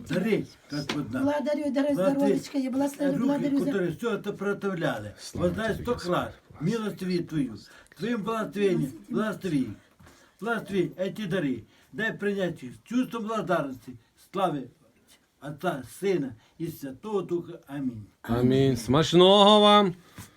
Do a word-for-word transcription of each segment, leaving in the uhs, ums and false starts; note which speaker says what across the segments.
Speaker 1: Дари, Господа.
Speaker 2: Благодарю, дари здоровечка, я благословлю,
Speaker 1: Руки,
Speaker 2: благодарю за...
Speaker 1: которые все это проставляли. Воздай сто крат. Милостыви Твою. Твоим благословением. Благослови. Благослови эти дары. Дай принять их с чувством благодарности. Славы Отца, Сына и Святого Духа. Аминь.
Speaker 3: Амінь. Смачного вам.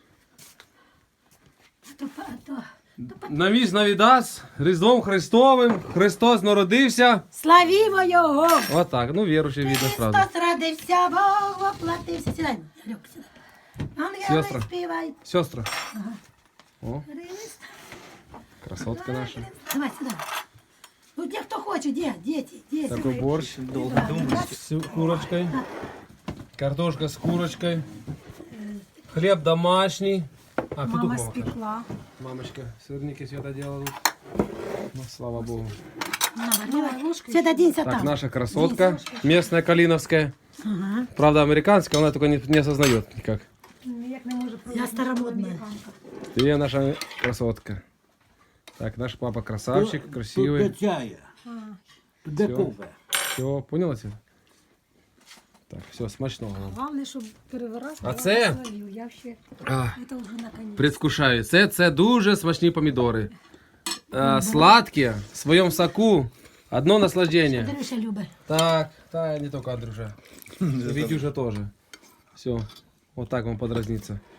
Speaker 2: То, то,
Speaker 3: Навіс навідас, Різдвом Христовим, Христос народився.
Speaker 2: Славімо Його!
Speaker 3: Отак, ну віруючий видно сразу.
Speaker 2: Христос родився, Бог воплотився. Сідай, Люк, сідай. Ангели
Speaker 3: Сестра.
Speaker 2: співають.
Speaker 3: Сестра. О,
Speaker 2: Христ.
Speaker 3: красотка наша.
Speaker 2: Давай, сюда. Ну, где кто хочет, где? Дети, дети.
Speaker 3: Такой борщ с курочкой. Картошка с курочкой. Хлеб домашний. А, петух
Speaker 2: Мама
Speaker 3: мама. каже.
Speaker 2: спекла.
Speaker 3: Мамочка, сырники Света делала тут. Ну, слава Богу.
Speaker 2: Света, оденься
Speaker 3: Так,
Speaker 2: там.
Speaker 3: наша красотка, местная калиновская.
Speaker 2: Ага.
Speaker 3: Правда, американская, она только не, не осознает никак.
Speaker 2: Я старомодная.
Speaker 3: Ты наша красотка. Так, наш папа красавчик,
Speaker 1: Тут
Speaker 3: красивый.
Speaker 1: до чая. Тут до
Speaker 3: Всё.
Speaker 1: кофе.
Speaker 3: Все, поняла тебя? Так, все, смачного вам.
Speaker 4: Головне, щоб переворачувати.
Speaker 3: А це?
Speaker 4: Я ще...
Speaker 3: А,
Speaker 4: Це вже наконець.
Speaker 3: предвкушаю. Це, це дуже смачні помідори. А, сладкі, в своєму соку. Одно наслаждение.
Speaker 2: Андрюша любит.
Speaker 3: Так, та не только Андрюша. Витюша тоже. Все, вот так вам подразнится.